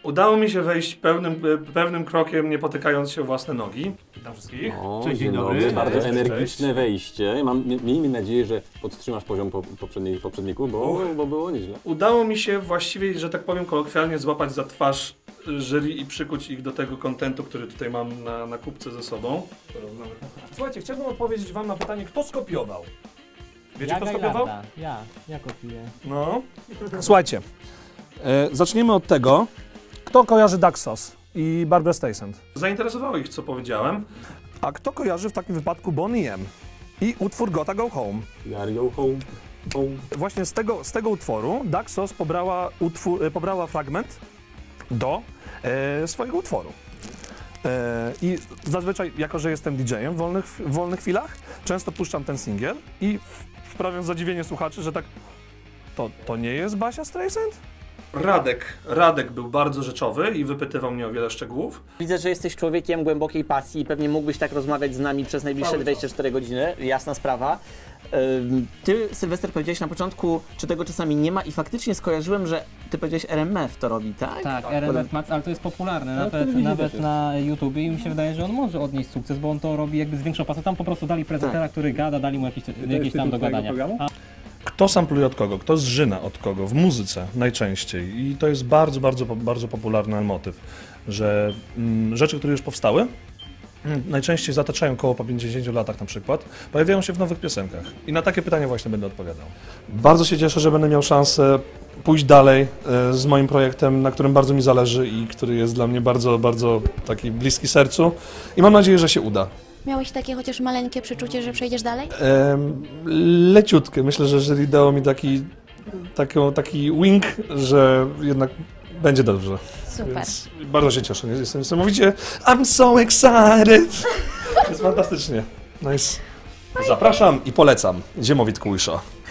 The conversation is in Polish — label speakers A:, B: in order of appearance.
A: Udało mi się wejść pewnym krokiem, nie potykając się o własne nogi. Witam wszystkich.
B: Cześć, dzień dobry. Bardzo energiczne wejście. Miejmy nadzieję, że podtrzymasz poziom poprzedników, bo było nieźle.
A: Udało mi się właściwie, że tak powiem kolokwialnie, złapać za twarz jury i przykuć ich do tego kontentu, który tutaj mam na kubce ze sobą. Słuchajcie, chciałbym odpowiedzieć wam na pytanie, kto skopiował? Wiecie, kto skopiował?
C: Ja kopiuję.
A: No.
D: Słuchajcie, zaczniemy od tego, kto kojarzy Daxos i Barbra Streisand.
A: Zainteresowało ich, co powiedziałem.
D: A kto kojarzy w takim wypadku Boney M i utwór Gotta Go Home?
B: Go home.
D: Właśnie z tego utworu Daxos pobrała fragment do swojego utworu. I zazwyczaj, jako że jestem DJ-em w wolnych chwilach, często puszczam ten singiel i wprawiam zadziwienie słuchaczy, że tak, to nie jest Basia Streisand?
A: Radek był bardzo rzeczowy i wypytywał mnie o wiele szczegółów.
C: Widzę, że jesteś człowiekiem głębokiej pasji i pewnie mógłbyś tak rozmawiać z nami przez najbliższe 24 godziny, jasna sprawa. Ty, Sylwester, powiedziałeś na początku, czy tego czasami nie ma i faktycznie skojarzyłem, że ty powiedziałeś RMF to robi, tak?
E: Tak, RMF Max, ale to jest popularne, nawet na YouTubie i mi się wydaje, że on może odnieść sukces, bo on to robi jakby z większą pasją. Tam po prostu dali prezentera, który gada, dali mu jakieś tam do gadania.
A: Kto sampluje od kogo, kto zżyna od kogo w muzyce najczęściej i to jest bardzo popularny motyw, że rzeczy, które już powstały, najczęściej zataczają koło po 50 latach na przykład, pojawiają się w nowych piosenkach i na takie pytania właśnie będę odpowiadał. Bardzo się cieszę, że będę miał szansę pójść dalej z moim projektem, na którym bardzo mi zależy i który jest dla mnie bardzo taki bliski sercu i mam nadzieję, że się uda.
F: Miałeś takie chociaż maleńkie przeczucie, że przejdziesz dalej?
A: Leciutkie. Myślę, że jury dało mi taki wink, że jednak będzie dobrze.
F: Super.
A: Więc bardzo się cieszę. Jestem niesamowicie I'm so excited! Jest fantastycznie. Nice. Zapraszam i polecam. Ziemowit Kujsza.